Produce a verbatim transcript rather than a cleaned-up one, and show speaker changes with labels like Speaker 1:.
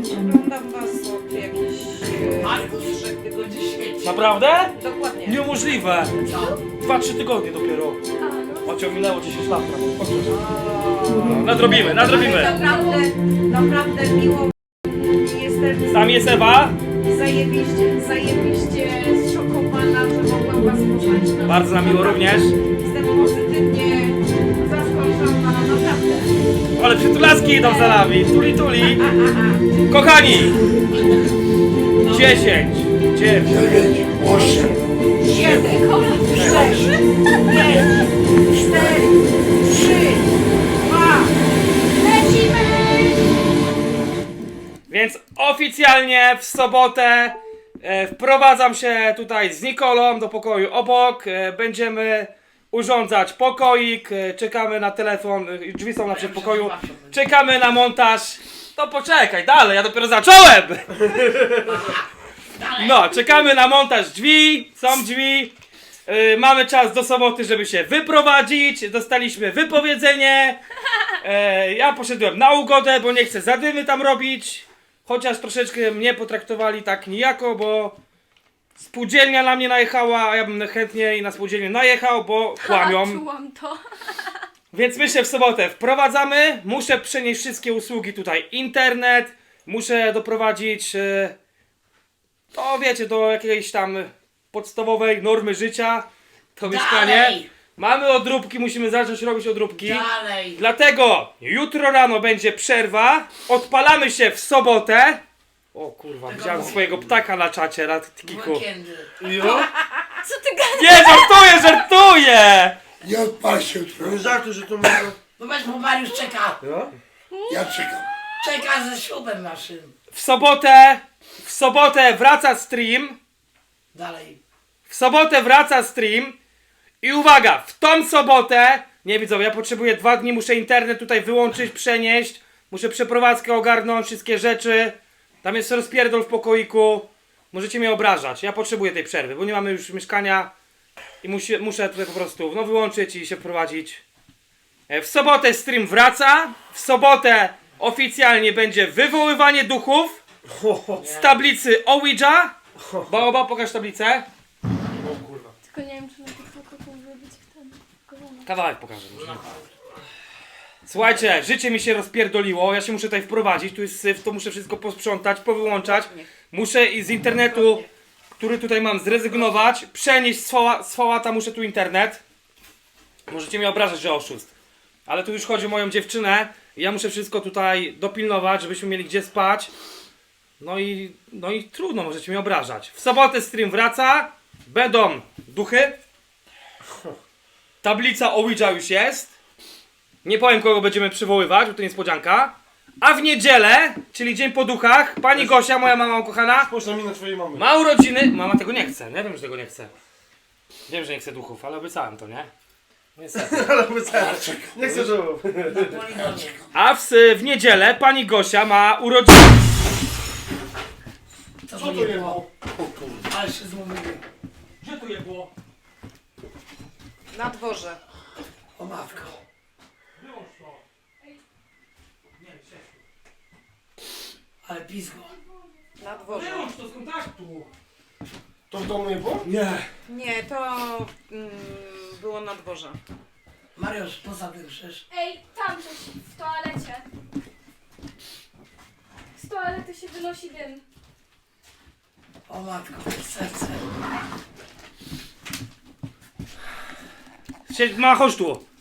Speaker 1: Oglądam was od jakichś e, trzech tygodni świeci.
Speaker 2: Naprawdę?
Speaker 1: Dokładnie.
Speaker 2: Niemożliwe.
Speaker 1: Co?
Speaker 2: Dwa, trzy tygodnie dopiero.
Speaker 3: A, no.
Speaker 2: Ocio, minęło dziesięć lat prawie. Nadrobimy, nadrobimy.
Speaker 1: Ale naprawdę, naprawdę miło. Jestem
Speaker 2: Tam jest Ewa.
Speaker 1: zajebiście, zajebiście zszokowana, że mogłam was poznać. No,
Speaker 2: Bardzo nam miło również.
Speaker 1: Jestem pozytywnie zaskoczona, naprawdę.
Speaker 2: Ale przytulaski idą za nami. Tuli, tuli. Kochani. dziesięć, dziewięć, osiem,
Speaker 1: Siedem, sześć, pięć, cztery, trzy, dwa, lecimy!
Speaker 2: Więc oficjalnie w sobotę e, wprowadzam się tutaj z Nikolą do pokoju obok. E, będziemy urządzać pokoik. E, czekamy na telefon. E, drzwi są na przedpokoju. Czekamy na montaż. To poczekaj, dalej, ja dopiero zacząłem! No, czekamy na montaż drzwi. Są drzwi. E, mamy czas do soboty, żeby się wyprowadzić. Dostaliśmy wypowiedzenie. E, ja poszedłem na ugodę, bo nie chcę zadymy tam robić. Chociaż troszeczkę mnie potraktowali tak nijako, bo spółdzielnia na mnie najechała, a ja bym chętniej na spółdzielnię najechał, bo kłamią.
Speaker 3: Czułam to.
Speaker 2: Więc my się w sobotę wprowadzamy. Muszę przenieść wszystkie usługi tutaj. Internet. Muszę doprowadzić e, to wiecie, do jakiejś tam podstawowej normy życia. To mieszkanie.
Speaker 4: Dalej.
Speaker 2: Mamy odróbki, musimy zacząć robić odróbki.
Speaker 4: Dalej.
Speaker 2: Dlatego jutro rano będzie przerwa. Odpalamy się w sobotę. O kurwa, widziałem swojego ptaka na czacie, na tikiku.
Speaker 4: Weekendy.
Speaker 3: Co ty gadasz?
Speaker 2: Nie, żartuję, żartuję!
Speaker 5: Nie odpal się jutro.
Speaker 6: Nie żartuj, że to może...
Speaker 4: No weź, bo Mariusz czeka.
Speaker 5: Ja czekam.
Speaker 4: Czeka ze ślubem naszym.
Speaker 2: W sobotę, w sobotę wraca stream.
Speaker 4: Dalej.
Speaker 2: W sobotę wraca stream. I uwaga, w tą sobotę, nie widzowie, ja potrzebuję dwa dni, muszę internet tutaj wyłączyć, przenieść. Muszę przeprowadzkę ogarnąć, wszystkie rzeczy. Tam jest rozpierdol w pokoiku. Możecie mnie obrażać, ja potrzebuję tej przerwy, bo nie mamy już mieszkania. I musi, muszę tutaj po prostu no, wyłączyć i się wprowadzić. E, W sobotę stream wraca. W sobotę oficjalnie będzie wywoływanie duchów z tablicy Ouija. Baoba, pokaż tablicę.
Speaker 3: Tylko nie wiem, czy na TikToku to zrobić w ten kolana.
Speaker 2: Kawałek pokażę. może. Słuchajcie, życie mi się rozpierdoliło, ja się muszę tutaj wprowadzić, tu jest syf, to muszę wszystko posprzątać, powyłączać. Muszę i z internetu, który tutaj mam, zrezygnować, przenieść z fała- z fałata, muszę tu internet. Możecie mnie obrażać, że oszust. Ale tu już chodzi o moją dziewczynę i ja muszę wszystko tutaj dopilnować, żebyśmy mieli gdzie spać. No i, no i trudno, możecie mnie obrażać. W sobotę stream wraca, będą duchy. Tablica Ouija już jest. Nie powiem, kogo będziemy przywoływać, bo to niespodzianka. A w niedzielę, czyli dzień po duchach, pani Gosia, moja mama ukochana,
Speaker 6: Spójrz na minę twojej mamy.
Speaker 2: ma urodziny. Mama tego nie chce, nie wiem, że tego nie chce. Wiem, że nie chce duchów, ale obiecałem to, nie? Niestety.
Speaker 6: Ale obiecałem. Nie chcę, żeby...
Speaker 4: Na poligonie.
Speaker 2: A w, w niedzielę pani Gosia ma urodziny.
Speaker 4: Co
Speaker 6: Co
Speaker 4: to
Speaker 6: to
Speaker 4: nie
Speaker 6: nie
Speaker 4: było?
Speaker 6: było?
Speaker 4: Ale się zmówiły.
Speaker 2: Gdzie tu je było?
Speaker 1: Na dworze.
Speaker 4: O matko.
Speaker 2: Wyłącz to. Nie,
Speaker 4: Ale pizgo.
Speaker 1: Na dworze.
Speaker 2: wyłącz to z kontaktu.
Speaker 6: To w domu nie było?
Speaker 2: Nie.
Speaker 1: Nie, to mm, było na dworze.
Speaker 4: Mariusz, poza tym przecież.
Speaker 3: Ej, tam coś w toalecie. Z toalety się wynosi dym.
Speaker 4: O matko, serce.
Speaker 2: Sie- Ma, chodź tu.